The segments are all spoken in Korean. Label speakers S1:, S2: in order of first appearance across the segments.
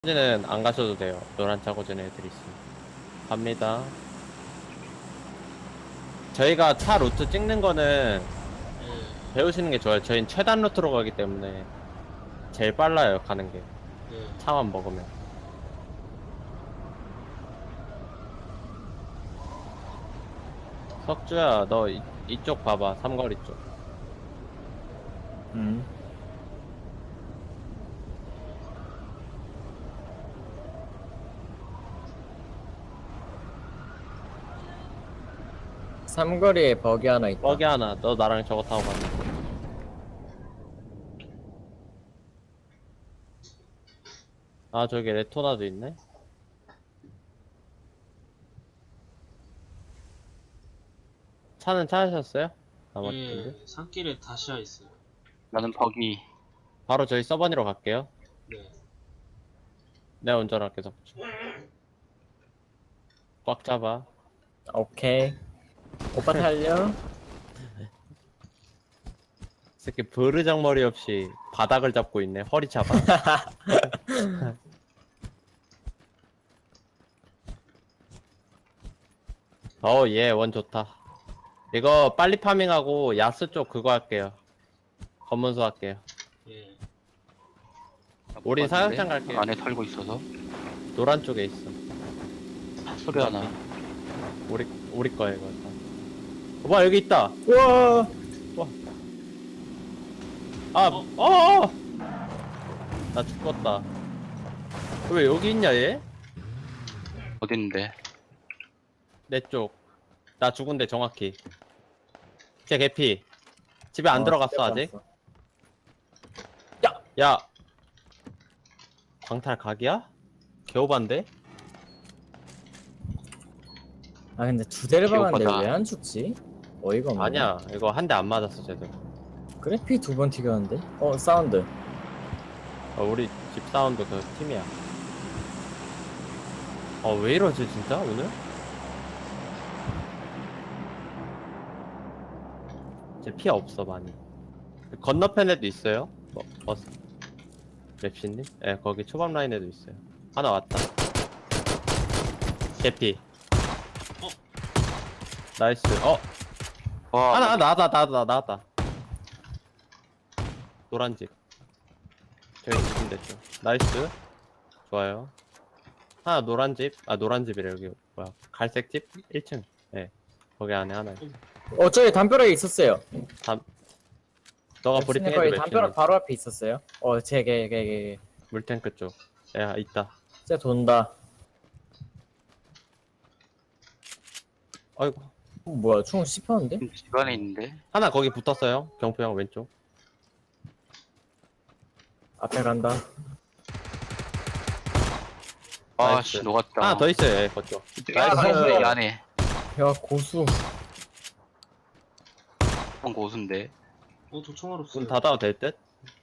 S1: 차고지는 안 가셔도 돼요. 노란 차고진 애들이 있으니 갑니다. 저희가 차 루트 찍는 거는
S2: 예,
S1: 배우시는 게 좋아요. 저희는 최단 루트로 가기 때문에 제일 빨라요, 가는 게.
S2: 예.
S1: 차만 먹으면. 석주야, 너 이쪽 봐봐. 삼거리 쪽.
S3: 음. 삼거리에 버기 하나 있다.
S1: 뻐기 하나. 너 나랑 저거 타고 가자. 아, 저기 레토나도 있네. 차는 찾으셨어요? 나머지 분들?
S2: 예, 산길에 다시아 있어요.
S4: 나는 버기.
S1: 바로 저희 서버니로 갈게요.
S2: 네.
S1: 내가 운전할게, 석주. 꽉 잡아.
S3: 오케이. 오빠 달려.
S1: 새끼 버르장머리 없이 바닥을 잡고 있네. 허리 잡아. 예, 원 좋다. 이거 빨리 파밍하고 야스 쪽 그거 할게요. 검문소 할게요.
S2: 예.
S1: 우리
S4: 못
S1: 사육장
S4: 봤는데?
S1: 갈게요.
S4: 안에 털고 있어서
S1: 노란 쪽에 있어.
S4: 소리 하나.
S1: 우리 거야 이거. 봐 여기 있다.
S3: 우와.
S1: 나 죽었다. 왜 여기 있냐 얘?
S4: 어딨는데?
S1: 내 쪽. 나 죽은데 정확히. 제 개피. 집에 안 들어갔어 아직. 야. 광탈 각이야? 개오반데?
S3: 아 근데 두 대를 박았는데
S4: 기억하다.
S3: 왜 안 죽지? 어이가 없네.
S1: 아니야. 이거 한 대 안 맞았어 제대로.
S3: 그래 피 두 번 튀겼는데. 사운드.
S1: 우리 집 사운드 그 팀이야. 왜 이러지 진짜 오늘? 제 피 없어 많이. 건너편에도 있어요. 버스. 랩시님? 예, 거기 초밥 라인에도 있어요. 하나 왔다. 개피. 나이스.
S4: 와,
S1: 하나 나왔다. 노란 집. 저희 집인데 좀. 나이스. 좋아요. 하나 노란 집. 노란 집이래 여기. 뭐야? 갈색 집? 1층. 예. 거기 안에 하나 있어.
S3: 저기 담벼락에 있었어요.
S1: 너가
S3: 랩신의
S1: 브리핑
S3: 거기
S1: 해도
S3: 담벼락
S1: 랩시님.
S3: 바로 앞에 있었어요. 걔.
S1: 물탱크 쪽. 야, 있다.
S3: 진짜 돈다.
S1: 아이고.
S3: 뭐야 총 씹혔는데?
S4: 집 안에 있는데?
S1: 하나 거기 붙었어요. 경포 형 왼쪽.
S3: 앞에 간다.
S4: 아,
S1: 나이스.
S4: 씨, 녹았다.
S1: 하나 더 있어요. 예, 그쪽.
S4: 나이스, 이 안에.
S3: 야 고수.
S4: 한 고수인데.
S2: 저 총알 없어요.
S1: 문 닫아도 될 듯?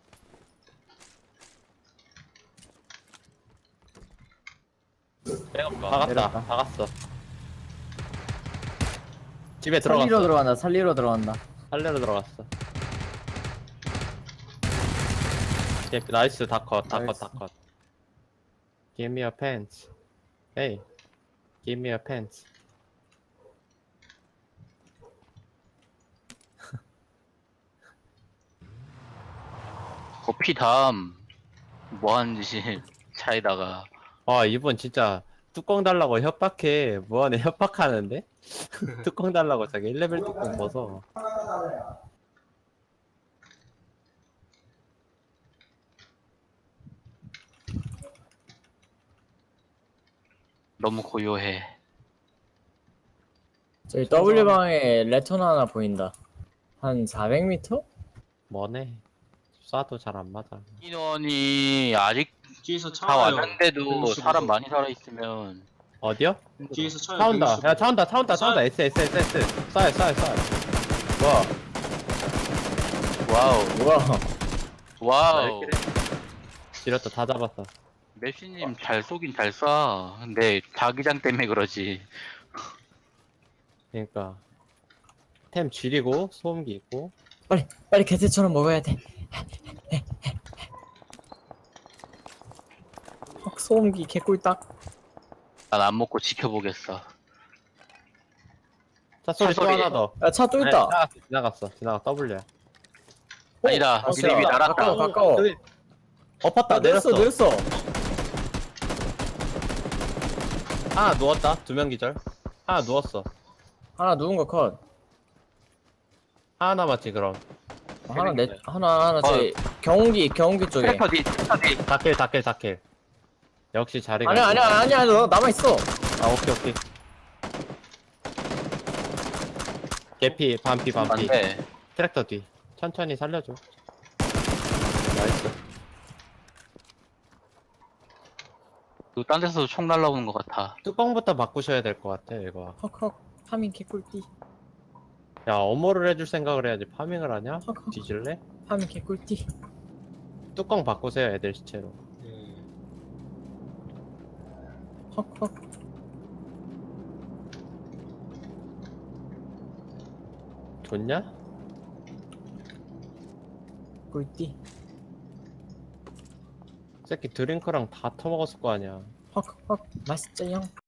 S1: 박았다.
S3: 내렸다.
S1: 박았어. 집에
S3: 살리러
S1: 들어갔어.
S3: 들어간다. 살리러 들어간다.
S1: 살려로 들어갔어. 예, 나이스. 다 컷.
S3: 나이스.
S1: Give me your pants. Hey. Give me your pants.
S4: 피 다음. 뭐 하는 짓이 차에다가.
S1: 이분 진짜 뚜껑 달라고 협박해. 뭐하네 협박하는데? 뚜껑 달라고 자기 1레벨 뚜껑 벗어.
S4: 너무 고요해.
S3: 저기 W 방에 레턴 하나 보인다. 한 400m?
S1: 뭐네. 쏴도 잘 안 맞아.
S4: 인원이 아직
S2: 뒤에서 차
S4: 다
S2: 와요.
S4: 왔는데도
S2: 165.
S4: 사람 많이 살아있으면.
S1: 어디요?
S2: 뒤에서 차요.
S1: 차 온다.
S2: 165.
S1: 야, 차 온다. S. 쏴요.
S4: 와우.
S3: 뭐야?
S4: 와우.
S1: 지렸다. 다 잡았어.
S4: 맵시님 잘 쏘긴 잘 쏴. 근데 자기장 때문에 그러지.
S1: 그러니까 템 쥐리고 소음기 있고.
S3: 빨리 개새처럼 먹어야 돼. 소음기 개꿀딱.
S4: 난 안 먹고 지켜보겠어.
S1: 차 소리 또
S4: 차 소리.
S1: 하나 더.
S3: 야, 차 또 있다.
S1: 지나갔어. W야.
S4: 아니다.
S3: 어,
S4: 니네 위
S3: 야,
S4: 날았다.
S3: 가까워.
S1: 저기 엎었다
S3: 아, 내렸어,
S1: 내렸어.
S3: 내렸어.
S1: 하나 누웠다. 2명 기절. 하나 누웠어.
S3: 하나 누운 거 컷.
S1: 하나 남았지 그럼.
S3: 하나 하나 제 경운기 쪽에.
S4: 트랙터 뒤.
S1: 다킬. 역시 자리가.
S3: 아니야, 너 남아 있어.
S1: 아 오케이. 개피 반피.
S4: 안돼.
S1: 트랙터 뒤. 천천히 살려줘. 나이스.
S4: 딴 데서 총 날라오는 것 같아.
S1: 뚜껑부터 바꾸셔야 될 것 같아 이거.
S3: 헉. 파밍 개꿀띠.
S1: 야 어모를 해줄 생각을 해야지. 파밍을 하냐?
S3: 헉.
S1: 뒤질래?
S3: 파밍 개꿀띠.
S1: 뚜껑 바꾸세요 애들 시체로.
S2: 예.
S3: 헉.
S1: 좋냐?
S3: 꿀띠.
S1: 새끼 드링크랑 다 터먹었을 거 아니야.
S3: 헉. 맛있죠 형.